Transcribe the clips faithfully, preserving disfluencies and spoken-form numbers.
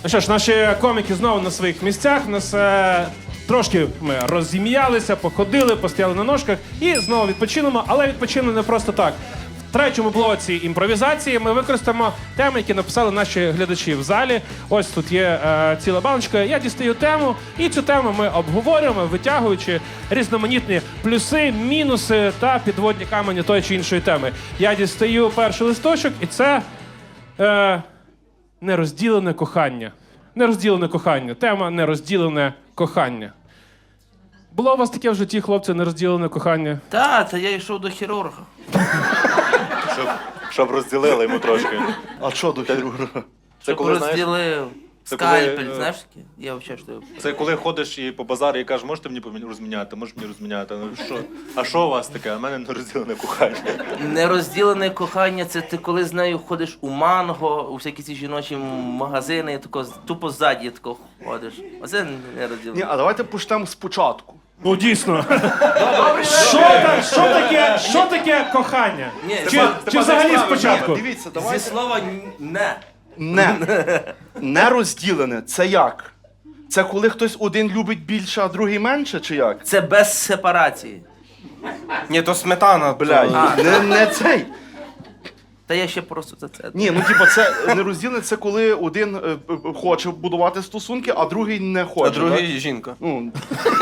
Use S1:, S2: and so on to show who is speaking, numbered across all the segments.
S1: що ж, наші коміки знову на своїх місцях. Нас е, трошки ми розім'ялися, походили, постояли на ножках і знову відпочинемо, але відпочинемо не просто так. В третьому блоці імпровізації ми використаємо теми, які написали наші глядачі в залі. Ось тут є е, ціла баночка. Я дістаю тему, і цю тему ми обговорюємо, витягуючи різноманітні плюси, мінуси та підводні камені тої чи іншої теми. Я дістаю перший листочок, і це е, нерозділене кохання. Нерозділене кохання. Тема нерозділене кохання. Було у вас таке в житті, хлопці, нерозділене кохання?
S2: Та, та я йшов до хірурга.
S3: Щоб, щоб розділили йому трошки.
S4: А що до хірурга?
S3: Це
S2: Щоб
S3: коли, знаєш,
S2: розділив.
S3: це
S2: Скальпель,
S3: коли, е,
S2: знаєш таке? Я взагалі що.
S3: це коли ходиш і по базарі і кажеш, можете мені помі- розміняти, можеш мені розміняти. Ну, що? А що у вас таке? А в мене не розділене кохання.
S2: Нерозділене кохання, це ти коли з нею ходиш у Манго, у всякі ці жіночі магазини, і тако, тупо ззаді тако ходиш. Оце
S4: Ні,
S2: нерозділене.
S4: а давайте почнемо спочатку.
S1: Ну, дійсно. Що, та- що, таке, що таке кохання?
S2: Ні,
S1: Чи,
S2: Степан,
S1: чи взагалі спочатку?
S4: Дивіться,
S2: Зі
S4: давайте.
S2: слова «не».
S4: Не. Не розділене. Це як? Це коли хтось один любить більше, а другий менше, чи як?
S2: Це без сепарації.
S5: Ні, то сметана.
S4: Блядь,
S2: А.
S4: не, не цей.
S2: Та я ще просто за це.
S4: Ні, ну типа це не розділене, це коли один е, е, хоче будувати стосунки, а другий не хоче.
S5: А другий
S4: так?
S5: жінка.
S4: Ну,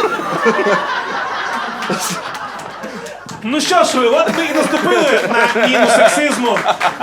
S1: Ну що ж ви, от ми і наступили на міну сексизму.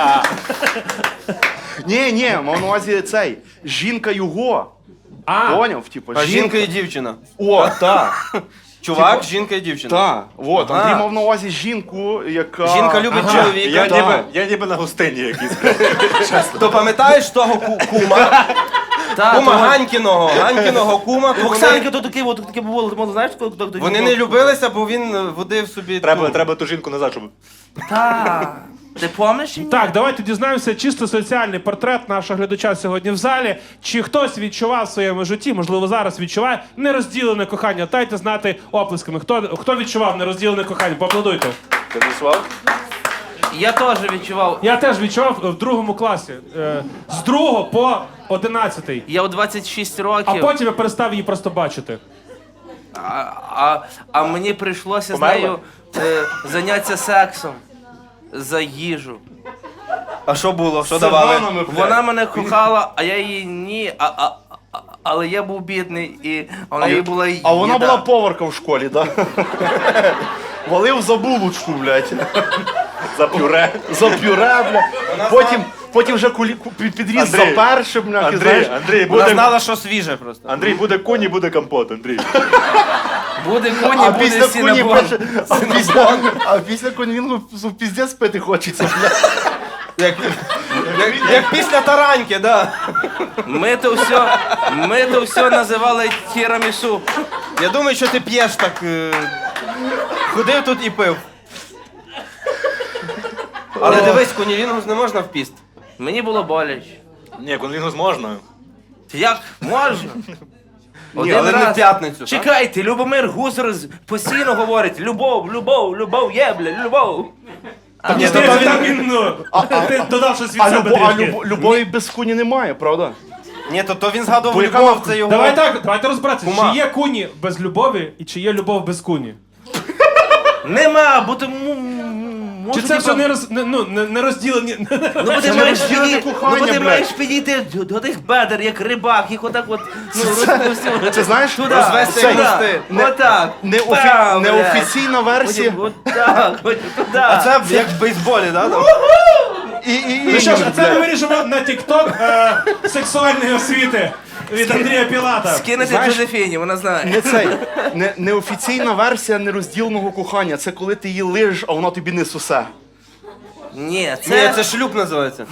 S4: ні, ні, мав на увазі цей. Жінка його.
S1: А,
S4: Поняв? Типа,
S5: А жінка і дівчина.
S4: О, так.
S5: Чувак, жінка і дівчина.
S4: Так. От,
S5: Ага.
S4: Андрій мав на увазі жінку, яка.
S5: Жінка любить
S1: Ага.
S5: чоловіка.
S3: Я
S4: та.
S3: ніби, я ніби на гостині якийсь.
S5: То пам'ятаєш того ку- кума?
S2: Та,
S5: Кума
S2: то-
S5: Ганькіного. Ганькіного кума. то
S2: Оксанки
S5: вони-
S2: то таке, от таке було, ти знаєш, коли хто хто-
S5: Вони не любилися, бо він водив собі.
S3: Треба,
S5: ту-
S3: треба ту жінку назад, щоб...
S2: Та. Ти пам'ятаєш?
S1: так, давайте дізнаємося чисто соціальний портрет нашого глядача сьогодні в залі. Чи хтось відчував в своєму житті, можливо, зараз відчуває нерозділене кохання? Дайте знати оплесками. Хто, хто відчував нерозділене кохання? Поаплодуйте.
S3: Ти відчував?
S2: Я теж відчував.
S1: Я теж відчував в другому класі. Е, з другого по одинадцятий.
S2: Я у двадцять шість
S1: А
S2: років,
S1: потім я перестав її просто бачити.
S2: а, а, а мені прийшлося
S3: Померла?
S2: з нею е, зайнятися сексом за їжу.
S5: А що було? Що
S4: З
S5: давали?
S4: бананами, блядь.
S2: Вона мене кохала, а я її ні. А, а, а, але я був бідний, і а в неї була їда.
S4: А вона була поварка в школі, так? Валив за булочку, блядь.
S3: За пюре.
S4: За пюре, блядь. Потім, потім вже кулі, ку- під- підріз
S3: Андрій,
S4: за першим, блядь, і
S3: Андрій,
S4: знаєш.
S3: Андрій,
S5: Вона
S3: буде,
S5: знала, що свіже просто.
S3: Андрій, буде коні, буде компот, Андрій.
S2: Буде коні,
S4: А
S2: буде
S4: після коні
S2: сінабон.
S4: пише, а після, а після конвінгу піздець пити хочеться, блядь.
S5: Як, як, як після тараньки, да.
S2: Ми то все, ми то все називали тірамісу.
S5: Я думаю, що ти п'єш так. Е... Ходив тут і пив. Але дивись, конілінгус не можна в піст.
S2: Мені було боляче.
S3: Ні, конвінгус можна.
S2: Як можна?
S5: Ні, але не в п'ятницю, так?
S2: Чекайте, Любомир Гузар з- постійно говорить: любов, любов, любов є, бля, любов. А
S1: Ні,
S2: ну,
S1: то
S4: то
S1: він,
S4: він-
S1: він, ну, ти додав щось від
S4: А,
S1: себе
S4: любо, а
S1: трішки.
S4: любо, любові без куні немає, правда?
S5: Ні, то, то він згадував
S4: Бо яка
S5: любов,
S4: нахуй?
S5: це його.
S1: Давай так, давайте розбиратися.
S5: Кума.
S1: Чи є куні без любові і чи є любов без куні?
S2: Нема, бо ти м- м-
S1: Чи
S2: може,
S1: це
S2: типа,
S1: все не, роз, не, ну, не, не розділені?
S2: Ну, бо ти
S4: Це
S2: маєш
S4: нерозділене
S2: підійти,
S4: кохання,
S2: ну, бо ти
S4: блядь.
S2: маєш підійти до, до тих бедер, як рибак, їх отак от, ну, розпустив.
S4: Це знаєш,
S2: туди,
S5: розвести
S2: туди,
S5: мости.
S4: Не-
S2: отак,
S4: Не,
S2: пам,
S4: офі, не
S2: блядь.
S4: офіційна версія.
S2: Потім отак, потім туди.
S5: А це як в бейсболі, да? там?
S4: І, і, і,
S1: Ну що ж, а це ми
S4: блядь.
S1: вирішимо на TikTok е, сексуальної освіти від Андрія Пілата.
S2: Скинути
S4: Знаєш,
S2: Джозефіні, вона знає.
S4: Не цей, не, неофіційна версія нерозділеного кохання. Це коли ти її лижеш, а вона тобі не сусе.
S2: Ні,
S5: Ні,
S2: це,
S5: це шлюб називається.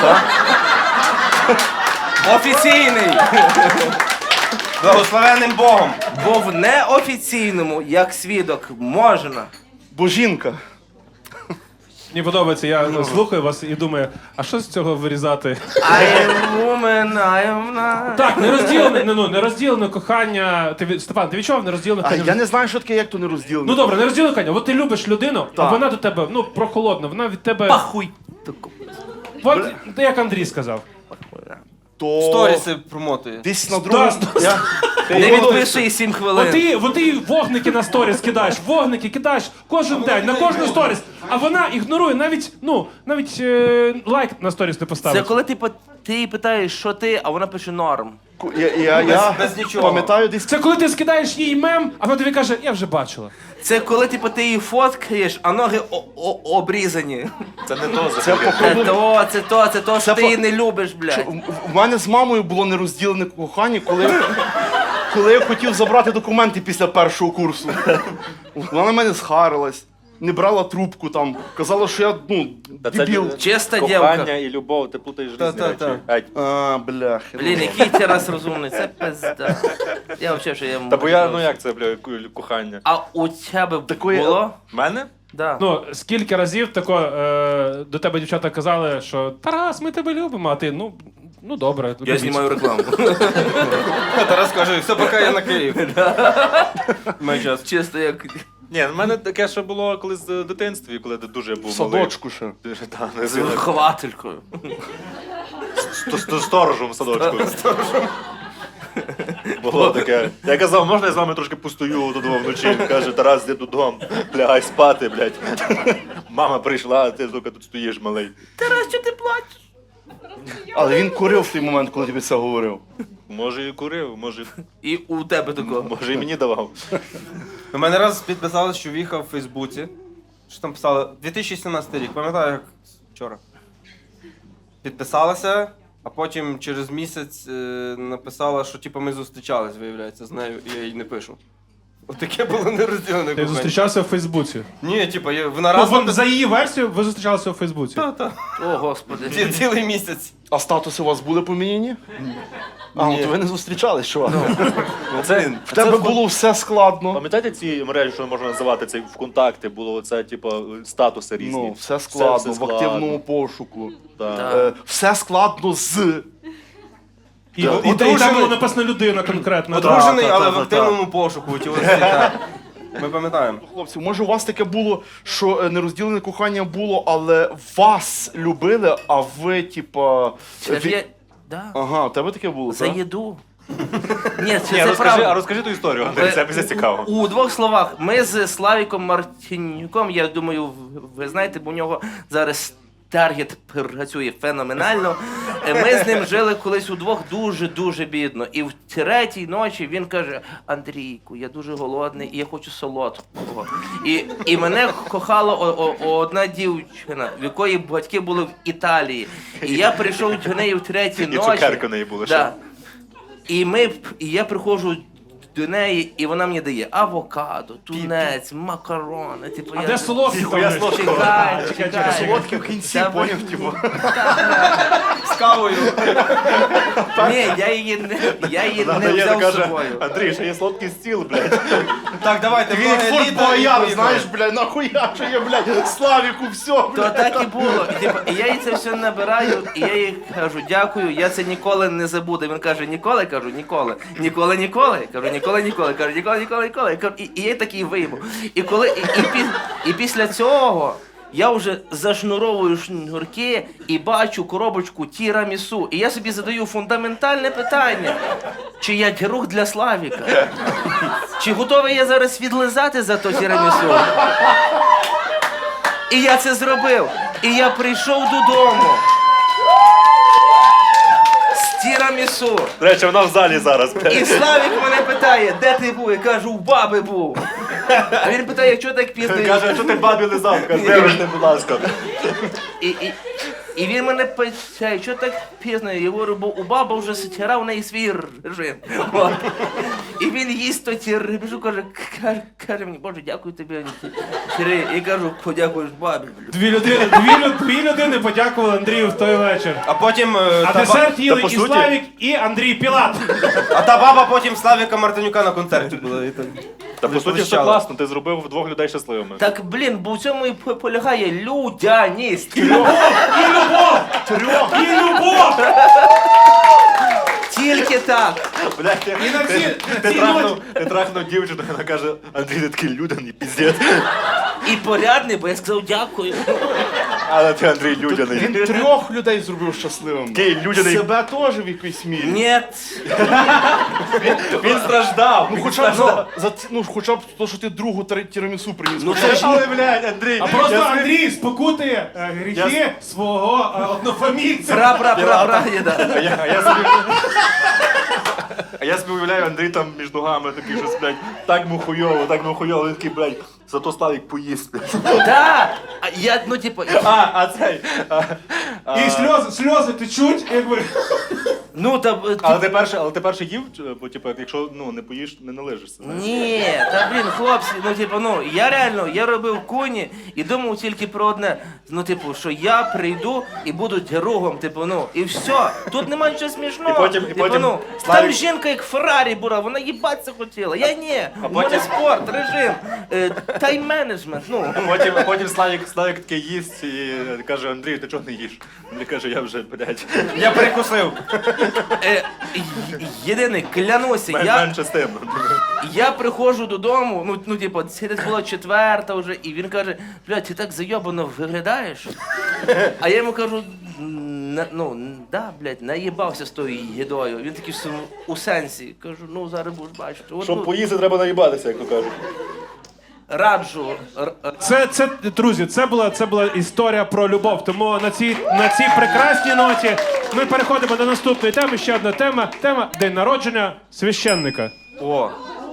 S2: офіційний.
S5: Благословенним Богом.
S2: Бо в неофіційному, як свідок, можна.
S4: Бо жінка.
S1: Мені подобається, я ну, слухаю вас і думаю, а що з цього вирізати?
S2: I am woman, I am not.
S1: Так, нерозділене, ну, нерозділене кохання. Ти, від- Степан, ти відчував нерозділене
S4: А
S1: кохання?
S4: я не знаю, що таке, як то не розділене.
S1: Ну добре, нерозділене кохання. От ти любиш людину, а
S4: Так.
S1: вона до тебе, ну, прохолодна, вона від тебе...
S2: Пахуй.
S1: От, як Андрій сказав.
S4: то
S5: Сторіси промотує.
S4: десь на другому...
S1: Сто-
S4: Я...
S2: Не відпиши сім хвилин.
S1: От ти, от ти вогники на сторіс кидаєш, вогники кидаєш кожен день, на кожну сторіс, а вона ігнорує, навіть, ну, навіть е, лайк на сторіс не
S2: Це
S1: поставить.
S2: коли ти, по- ти їй питаєш, що ти, а вона пише норм.
S4: Я, я, я
S5: без нічого.
S4: пам'ятаю десь...
S1: Це коли ти скидаєш їй мем, а вона тобі каже, я вже бачила.
S2: Це коли типу, ти її фоткаєш, а ноги о- о- обрізані.
S3: Це не то
S4: Це,
S3: взагалі.
S2: Це
S4: походу,
S2: то, це то, це то, що
S4: Це
S2: ти
S4: по-
S2: її не любиш,
S4: що
S2: блядь.
S4: в- в мене з мамою було нерозділене кохання, коли, коли я хотів забрати документи після першого курсу. Вона на мене схарилась, не брала трубку там, казала, що я, ну,
S3: Та це
S4: дебіл.
S2: Чиста
S3: Кохання
S2: дівка.
S3: і любов, ти плутаєш
S5: Та,
S3: різні
S5: та,
S3: речі.
S5: та.
S3: Геть.
S4: А, бляхи.
S2: Блін, який ти раз розумний, це пизда. Я взагалі, що я
S3: Та бо я, ну як це, бля, ку- кохання?
S2: А у тебе
S4: Такої-
S2: було?
S3: В мене?
S2: Да.
S1: Ну, скільки разів тако, е, до тебе дівчата казали, що Тарас, ми тебе любимо, а ти, ну, ну добре.
S2: Я
S1: любіть.
S2: знімаю рекламу.
S5: Тарас каже, все, поки я на Київ. Май час.
S2: Чисто як.
S3: Ні, в мене таке, що було колись в дитинстві, коли я дуже був
S4: В
S3: малий.
S4: садочку ще.
S3: Дуже, та, не
S2: З
S3: сильно.
S2: вихователькою.
S3: Сто- сто- Сторожем в садочку. Було таке. Я казав, можна я з вами трошки постою додому вночі? Він каже, Тарас, йди додому, лягай спати, блядь. Мама прийшла, а ти тільки тут стоїш, малий.
S2: Тарас, що ти плачеш?
S4: Але він курив в той момент, коли тобі це говорив.
S3: Може і курив, може,
S2: І у тебе такого.
S3: може і мені давав.
S5: У мене раз підписали, що в'їхав в Фейсбуці. Що там писали? дві тисячі сімнадцятий рік, пам'ятаю, як вчора. Підписалася, а потім через місяць е, написала, що типу, ми зустрічались, виявляється, з нею, і я їй не пишу. Отаке було нерозділене
S1: Ти
S5: кохання.
S1: зустрічався в Фейсбуці.
S5: Ні, типу, я- вона
S1: Ну,
S5: раз
S1: вон,
S5: напис-
S1: за її версією ви зустрічалися в Фейсбуці.
S5: Та, та.
S2: О, господи.
S5: Ці- Цілий місяць.
S4: А статуси у вас були поміняні? А, ну
S5: Ні.
S4: то ви не зустрічались, чувак.
S3: Це,
S4: В тебе було все складно.
S3: Пам'ятаєте ці мережі, що можна називати це ВКонтакті, було оце, типу, статуси різні.
S4: Ну, все складно,
S3: все
S4: в активному пошуку.
S3: Так.
S2: Так.
S4: Е, все складно з.
S1: І, і, і,
S5: Одружений-
S1: там було написано людина конкретно.
S5: Одружений,
S4: та,
S5: але
S4: та,
S5: в
S4: та,
S5: активному пошуку. Ті оці, так. Ми пам'ятаємо.
S4: Хлопці, може у вас таке було, що е, нерозділене кохання було, але вас любили, а ви, типа.
S2: Це ж
S4: ві-
S2: я... Да.
S4: Ага, у тебе таке було,
S2: За
S4: так?
S2: їду. Ні, це,
S3: Ні,
S2: це
S3: розкажи,
S2: правда.
S3: а розкажи ту історію, Андрій, це мені цікаво.
S2: У двох словах, ми з Славіком Мартинюком, я думаю, ви знаєте, бо у нього зараз таргет працює феноменально. Е, Ми з ним жили колись удвох дуже-дуже бідно. І в третій ночі він каже: Андрійку, я дуже голодний і я хочу солодкого. І, і мене кохала о- о- одна дівчина, в якої батьки були в Італії. І я прийшов до неї в третій
S3: І
S2: ночі.
S3: цукерки в неї були ще.
S2: Да. І ми, і я приходжу до неї, і вона мені дає авокадо, тунець, макарони. Типу,
S1: А
S2: я...
S1: де солодкий там?
S3: Ніхуя
S1: лежить?
S3: солодкого.
S2: Чекай,
S1: Чекай,
S2: чекай.
S1: чекай.
S4: Солодкий в кінці,
S2: Та
S4: поняв,
S2: ви-
S4: типу.
S5: З кавою.
S2: Ні, я її не, я її не
S3: Надає,
S2: взяв з
S3: каже,
S2: собою.
S3: Андрій, ще є сладкий стіл, блядь.
S5: Так, давайте,
S4: Він як
S5: ноги
S4: Форт
S5: літа і
S4: Боярд,
S5: поїхали.
S4: знаєш, блядь, нахуя що є, блядь, Славіку, все,
S2: То
S4: блядь.
S2: так і було. І, типу, і я їй це все набираю, і я їй кажу, дякую, я це ніколи не забуду. Він каже, ніколи? Кажу, ніколи. Ніколи, ніколи. Кажу, ніколи, ніколи. Кажу, ніколи, ніколи, ніколи. Кажу, І, і я такий вийму. І коли і, і, пі- і після цього я вже зашнуровую шнурки і бачу коробочку тірамісу. І я собі задаю фундаментальне питання. Чи я друг для Славіка? Чи готовий я зараз відлизати за то тірамісу? І я це зробив. І я прийшов додому. З тірамісу.
S3: До речі, вона в залі зараз,
S2: І
S3: блядь.
S2: Славік мене питає, де ти був? Я кажу, у баби був. А він питає, чого так пізно?
S3: Каже, а що ти бабі лизав? Каже, вибачте, будь ласка.
S2: І, і, і він мене питає, що так пізно? Я говорю, бо у баби вже сетіра, у неї свій режим. От. І він їсть то ті рибжу, каже, каже, каже мені, Боже, дякую тобі. Сірий. І кажу, подякуєш бабі.
S1: Дві людини, дві, лю- дві людини подякували Андрію в той вечір.
S5: А потім... е,
S1: А
S5: та ба-
S1: десерт їли
S3: та по
S1: і
S3: суті-
S1: Славік, і Андрій Пілат.
S5: А та баба потім Славіка Мартинюка на концерті була. і так.
S3: Та по суті все
S5: Сповіщала.
S3: класно, ти зробив двох людей щасливими.
S2: Так, блін, бо в цьому і по- полягає людяність.
S1: І любов! Трьох! І любов!
S2: Тільки так.
S3: Блядь, ти,
S1: І на
S3: ти,
S1: всі-
S3: ти,
S1: на цій
S3: трахнув,
S1: ноті-
S3: ти трахнув дівчину, вона каже, Андрій, ти такий людяний, піздець.
S2: І порядний, бо я сказав дякую.
S3: Але ти, Андрій, людяний.
S4: Він трьох людей зробив щасливим.
S3: Такий людяний.
S4: Себе теж в якійсь мірі.
S2: Ні.
S3: Він страждав.
S4: Ну хоча б за, за ці- ну, хоча б то, що ти другу тир- тірамісу приніс.
S2: Ну
S4: Хоча
S2: це
S4: б-
S2: ж
S3: Але, блядь, Андрій.
S1: А просто
S3: я
S1: Андрій спокутує е, гріхи свого е, однофамільця.
S2: пра пра пра пра да.
S3: А я, а я собі... А я собі уявляю, Андрій там між ногами такий щось, блядь, так му хуйово, так му хуйово, він такий, блядь, зато Славік поїсть, блядь.
S2: Да. А я, ну типу,
S3: А, а цей... А, а,
S1: І сльози, сльози течуть, якби.
S2: ну там... е,
S3: але ти перше, але ти перше їв, чи- бо, типу, якщо, ну, не поїш, не належишся. знаєш?
S2: Ні, та блін, хлопці, ну типу, ну я реально, я робив куні і думав тільки про одне. Ну, типу, що я прийду і буду другом, типу, ну, і все. Тут немає нічого смішного.
S3: І потім- і
S2: типу,
S3: потім
S2: ну,
S3: Славік-
S2: там жінка як Феррарі була, вона їбатися хотіла. Я ні. А
S3: потім-
S2: спорт, режим, е, тайм-менеджмент, ну.
S3: Потім, потім Славік, Славік таке їсть і каже, Андрій, ти чого не їш? Андрій каже, я вже, блядь,
S5: Я перекусив.
S2: Е, й- єдине, клянуся,
S3: мен-
S2: я,
S3: менше з тим.
S2: я приходжу додому, ну, ну типу, це десь була четверта вже, і він каже, блядь, ти так зайобано виглядаєш. А я йому кажу, «На- ну, да, блядь, наїбався з тою їдою. Він такий в своєму- у сенсі. Кажу, ну зараз будеш бачити. От,
S3: Щоб
S2: ну,
S3: поїсти, треба наїбатися, як то кажуть.
S2: раджу. р- р-
S1: Це, це, друзі, це була, це була історія про любов. Тому на цій, на цій прекрасній ноті ми переходимо до наступної теми. Ще одна тема. Тема День народження священника.
S5: О,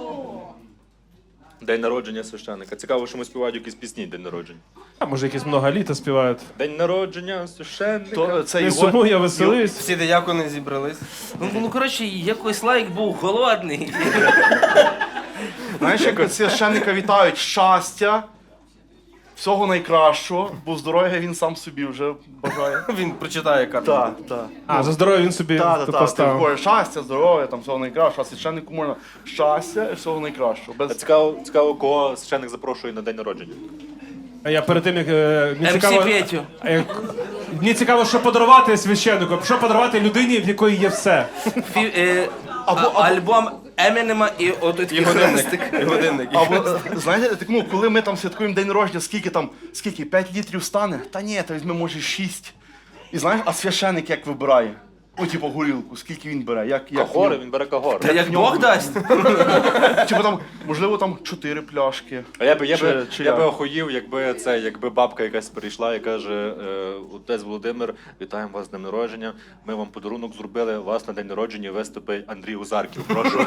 S3: День народження священника. Цікаво, що ми співають якісь пісні день народження.
S1: А може якісь много літа співають.
S3: День народження священника.
S4: То це
S1: Не
S4: його,
S1: сумуй, я веселись.
S5: всі диякони зібрались.
S2: Ну, ну, коротше, якось лайк був голодний.
S4: знаєш, як священника вітають щастя, всього найкращого, бо здоров'я він сам собі вже бажає.
S5: Він прочитає карту.
S4: Так, так.
S1: А, за здоров'я він собі
S4: Так,
S1: то
S4: так, так.
S1: поставив.
S4: Щастя, здоров'я, там всього найкращого, а священнику можна щастя і всього найкращого.
S3: А
S4: Без...
S3: цікаво, цікаво, кого священник запрошує на день народження.
S1: А я перед тим, як е, мені
S2: ем сі
S1: цікаво,
S2: Петю.
S1: а як- мені цікаво, що подарувати священнику, що подарувати людині, в якої є все.
S2: Фі, е,
S4: Або-
S2: а-
S4: або-
S2: Альбом Емінема і от
S5: І
S2: такий
S5: годинник.
S2: хрестик.
S5: І годинник.
S4: Або, е, знаєте, так, ну, коли ми там святкуємо день народження, скільки там, скільки, п'ять літрів стане? Та ні, та візьме, може, шість. І знаєш, а священник як вибирає? О, типу, горілку, скільки він бере? Як, як
S3: Кагори,
S4: в
S3: він бере кагори.
S2: Та як Бог дасть.
S4: ньому? Типу там, можливо, там чотири пляшки.
S3: А я би, я
S4: Чи-
S3: би,
S4: чи
S3: я би
S4: як?
S3: охуїв, якби це, якби бабка якась прийшла і каже, е, отець Володимир, вітаємо вас з днем народження. Ми вам подарунок зробили, у вас на день народження виступить Андрій Узарків. Прошу.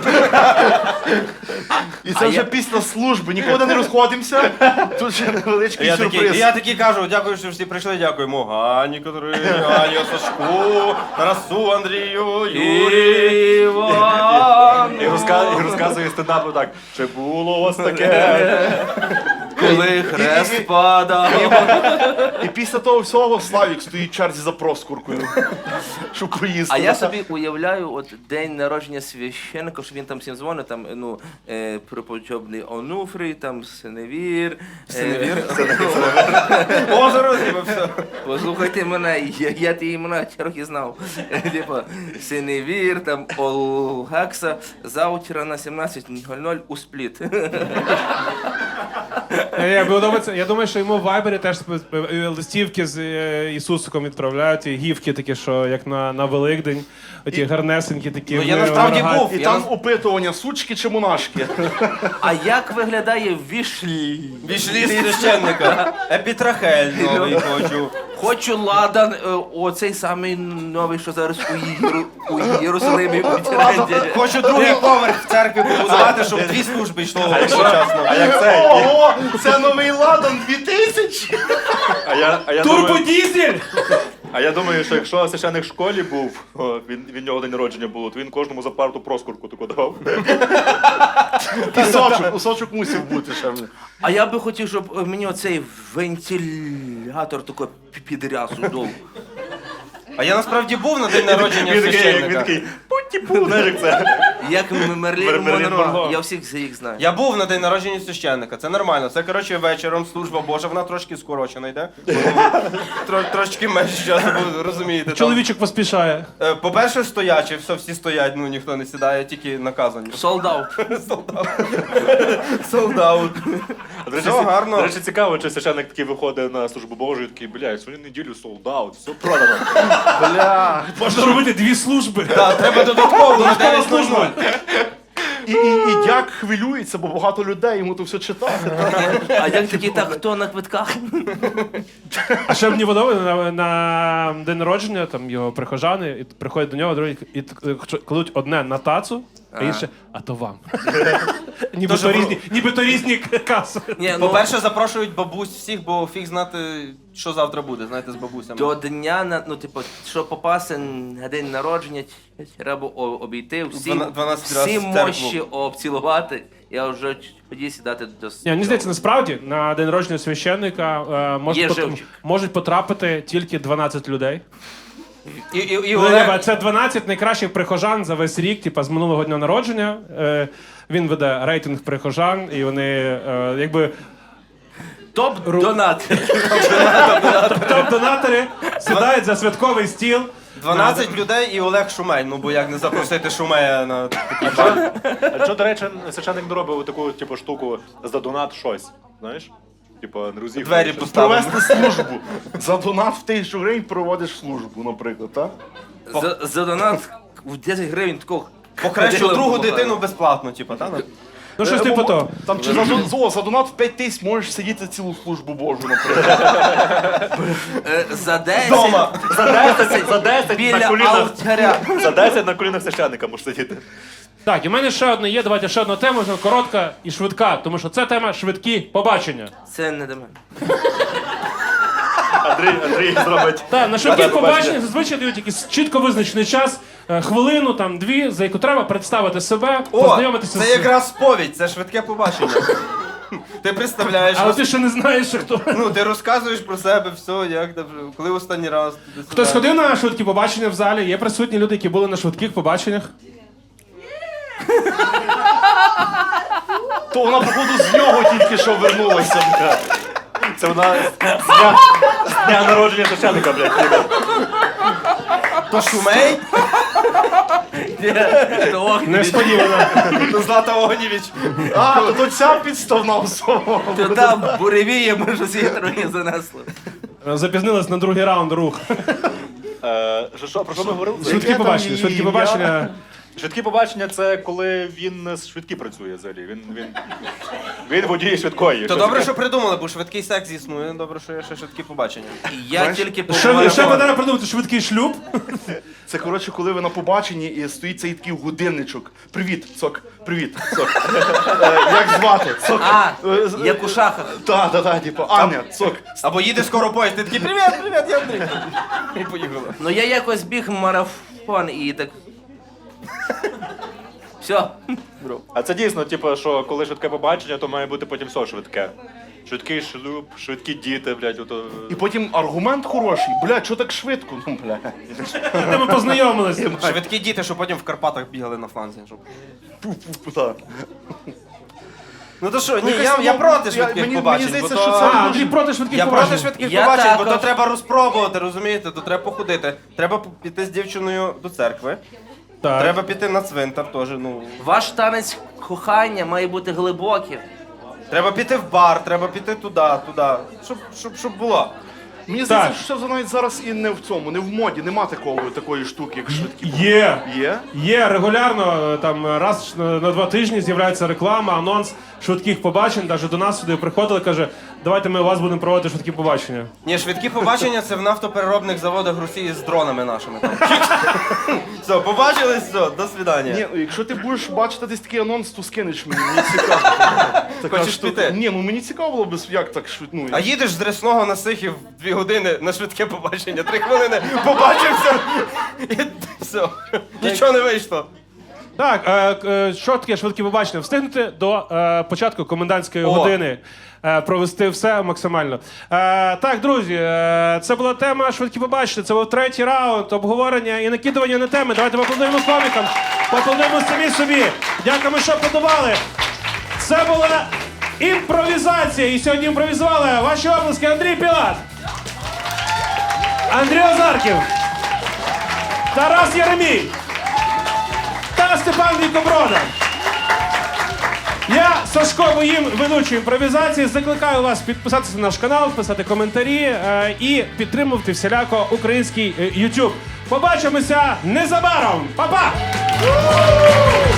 S4: І це
S2: А
S4: вже
S2: я-
S4: після служби, нікуди не розходимося. Тут ще невеличкий
S5: Я такий,
S4: сюрприз.
S5: я такий кажу, дякую, що всі прийшли, дякуємо Гані Катерині, Гані Сашку, Тарасу, Андрію, Юрію.
S2: Іван,
S3: І, розка- і розказує стендапу так, чи було у вас таке?
S2: коли хрест падав.
S4: І після того всього Славік стоїть в черзі за проскуркою, щоб поїсти.
S2: А я собі уявляю, от день народження священника, що він там всім дзвонить, там, ну, е, преподобний Онуфрій, там Синевір. Синевір?
S5: Озеро, типу, все.
S2: Послухайте мене, я, я ті імена трохи знав. Типа, Синевір, там Олгакса, завтра на сімнадцять нуль нуль у спліт.
S1: Е, Я, подобається- я думаю, що йому в Вайбері теж е, листівки з е, Ісусиком відправляють, і гівки такі, що як на, на Великдень, оті гарнесенькі такі.
S5: Ну, я
S1: вони
S5: насправді
S1: рогаті.
S5: був.
S4: І
S5: Я
S4: там
S5: нас-
S4: опитування, сучки чи монашки.
S2: А як виглядає вішлі?
S5: Вішлі священника. Епітрахель новий хочу.
S2: Хочу ладан, е, оцей самий новий, що зараз у, Єру, у Єрусалимі у тренді.
S5: Хочу другий поверх в церкві побудувати, щоб дві служби йшло одночасно.
S3: А як це?
S4: Ого, це новий ладан дві тисячі!
S3: А я, а я думаю,
S1: Турбодізель!
S3: а я думаю, що якщо священник в школі був, о, він, від нього день народження було, то він кожному за парту проскурку таку давав.
S4: І сочок, кусочок мусив бути ще. в-
S2: А я би хотів, щоб е, мені оцей вентилятор тако підрясу дов.
S5: А я насправді був на день народження
S3: Він такий, як він
S5: священника.
S3: такий, пу-ті-пу, знаєш, як це.
S2: Як М- Мерлін
S3: Мерлін
S2: Монро.
S3: Монро.
S2: Я всіх їх знаю.
S5: Я був на день народження священника, це нормально. Це, коротше, вечором служба Божа, вона трошки скорочена йде. Тро, трошки менше часу, бо розумієте. там.
S1: Чоловічок поспішає.
S5: Е, По-перше, стоячі, все, всі стоять, ну ніхто не сідає, тільки наказані.
S2: Солдат.
S5: Солдат. Солдат.
S3: До речі,
S5: Все
S3: ці-
S5: гарно.
S3: До речі, цікаво, чи священник такий виходить на службу Божу і такий, блядь, сьогодні неділю солдат, все продано.
S4: Бля.
S1: Можна робити дві служби.
S5: Так, треба додатково на дев'ять нуль нуль.
S4: І, і, і дяк хвилюється, бо багато людей йому то все читає.
S2: А як такі, так, хто на квитках?
S1: А ще мені подобається на, на день народження, там його прихожани, і приходять до нього, другі, і т- кладуть одне на тацу, а інше, а то вам. Ніби
S5: Тож
S1: то
S5: ви-
S1: різні, ніби то різні каси.
S2: Ні, ну,
S5: По-перше, запрошують бабусь всіх, бо фіг знати, що завтра буде, знаєте, з бабусями.
S2: до дня, на- ну, типу, щоб попасти на день народження, треба о- обійти всі,
S5: Двана- дванадцять раз
S2: всі
S5: в церкву.
S2: мощі обцілувати. Я вже тоді сідати до
S1: Ні, мені здається, насправді на день народження священника е, можуть,
S2: Є
S1: пот-
S2: живчик.
S1: можуть потрапити тільки дванадцять людей.
S5: І, і, і
S1: Ну,
S5: Олег...
S1: ніби це дванадцять найкращих прихожан за весь рік, типа з минулого дня народження. Е, він веде рейтинг прихожан, і вони е, якби
S2: топ-донат.
S1: топ-донатори сідають за святковий стіл.
S5: дванадцять людей і Олег Шумей. Ну бо як не запросити Шумея на такий бар?
S3: А що, до речі, священник не робив таку типу, штуку за донат щось, знаєш? Типу, не розігруєш.
S5: Двері поставимо.
S4: Провести службу. За донат в тисячу гривень проводиш службу, наприклад, так?
S2: За, за донат в десять гривень такого.
S5: Покращу
S2: ходила,
S5: другу
S2: бухала.
S5: дитину безплатно, типу, так?
S1: Ну щось
S4: Е,
S1: типу
S4: бо-
S1: того.
S4: Там чи за, дон- зо, за донат в п'ять тисяч можеш сидіти цілу службу Божу, наприклад.
S2: Е, За десять.
S5: Дома.
S3: За десять, за десять на
S2: Біля
S3: колінах.
S2: алтаря.
S3: За десять на колінах священника можеш сидіти.
S1: Так, і в мене ще одне є. Давайте ще одну тему, вже коротка і швидка, тому що це тема швидкі побачення.
S2: Це не до мене.
S3: Андрій, Андрій зробить.
S1: Так, на швидких
S3: Бачення.
S1: побаченнях зазвичай дають якийсь чітко визначений час, е, хвилину, там дві, за яку треба представити себе,
S5: О,
S1: познайомитися
S5: це
S1: з.
S5: якраз сповідь, це швидке побачення. Ти представляєш,
S1: Але
S5: роз-
S1: ти ще не знаєш, що хто.
S5: ну ти розказуєш про себе, все, як там, коли останній раз. туди-сюди.
S1: Хтось ходив на швидкі побачення в залі, є присутні люди, які були на швидких побаченнях.
S4: То вона, походу, з нього тільки що вернулася.
S3: Це вона з дня, з дня народження священника, блядь.
S5: То Шумей,
S1: Несподівано.
S5: то Злата Огнєвіч.
S4: А, то, то ця підставна особа.
S2: То там буревіє, може, з її занесло.
S1: Запізнились на другий раунд рух.
S3: Е, що, що, про що ми говорили?
S1: Швидкі
S4: там
S1: побачення,
S4: її
S1: швидкі
S4: ім'я?
S1: побачення.
S3: Швидкі побачення це коли він з швидкі працює взагалі. Він, він, він водій швидкої.
S5: То добре, що придумали, бо швидкий секс існує, добре, що є ще швидкі побачення.
S2: Я тільки
S1: Ще, ще
S2: побачив.
S1: треба придумати швидкий шлюб.
S4: Це, коротше, коли ви на побаченні і стоїть цей такий годинничок. Привіт, цок, привіт, цок. Е, Як звати? Цок.
S2: А,
S4: Е, з-
S2: як у шахах.
S4: Та, та, та, типу, Аня, цок.
S5: Або їде скоро поїзд, ти такий привіт, привіт, я Андрій. І поїхала.
S2: Ну я якось біг марафон і так. Все.
S3: А це дійсно, типу, що коли швидке побачення, то має бути потім все швидке. Швидкий шлюб, швидкі діти, блядь, ото...
S4: І потім аргумент хороший. Бля, що так швидко? Ну, бля.
S1: Де ми познайомилися.
S5: Швидкі діти, що потім в Карпатах бігали на фланзі. Щоб...
S4: Пу-пу-пу, так.
S5: Ну то що, ні,
S4: якось,
S5: я, я
S4: ну,
S5: проти
S4: я-
S5: швидких
S4: мені-
S5: побачень.
S4: мені здається,
S5: бо
S4: що
S5: то...
S4: це-
S1: А, Андрій проти швидких
S5: Я проти
S1: побачень.
S5: швидких
S2: Я
S5: побачень, бо
S2: також.
S5: то треба розпробувати, розумієте? То треба походити. Треба піти з дівчиною до церкви.
S1: Так.
S5: Треба піти на цвинтар теж, ну.
S2: Ваш танець кохання має бути глибоким.
S5: Треба піти в бар, треба піти туди, туди. Щоб, щоб, щоб було.
S4: Мені здається,
S1: Так.
S4: що це навіть зараз і не в цьому, не в моді, нема такого, такої штуки, як швидкі.
S1: Є.
S4: Є?
S1: Є регулярно, там раз на на два тижні з'являється реклама, анонс швидких побачень. Навіть до нас сюди приходили, каже, давайте ми у вас будемо проводити швидкі побачення.
S5: Ні, швидкі побачення це в нафтопереробних заводах Росії з дронами нашими. Там. Все, побачились, все, до свидання.
S4: Ні, якщо ти будеш бачити десь такий анонс, то скинеш мені, мені цікаво. Така
S5: Хочеш
S4: штука.
S5: піти?
S4: Ні, ну мені цікаво було б, як так швидко. Ну,
S5: А їдеш з Ресного на Сихів дві години на швидке побачення, три хвилини, побачився і все. Нічого не вийшло.
S1: Так, е, е, що таке швидкі побачення? Встигнути до е, початку комендантської
S5: О.
S1: години. Е, провести все максимально. Е, так, друзі, е, це була тема швидкі побачення. Це був третій раунд обговорення і накидування на теми. Давайте поаплодуємо комікам, поаплодуємо самі собі. Дякуємо, що подавали. Це була імпровізація. І сьогодні імпровізували ваші обласки Андрій Пілат, Андрій Озарків, Тарас Єремій та Степан Вікоброда. Я, Сашко Моїм, ведучий імпровізації, закликаю вас підписатися на наш канал, писати коментарі е, і підтримувати всіляко український е, YouTube. Побачимося незабаром! Па-па!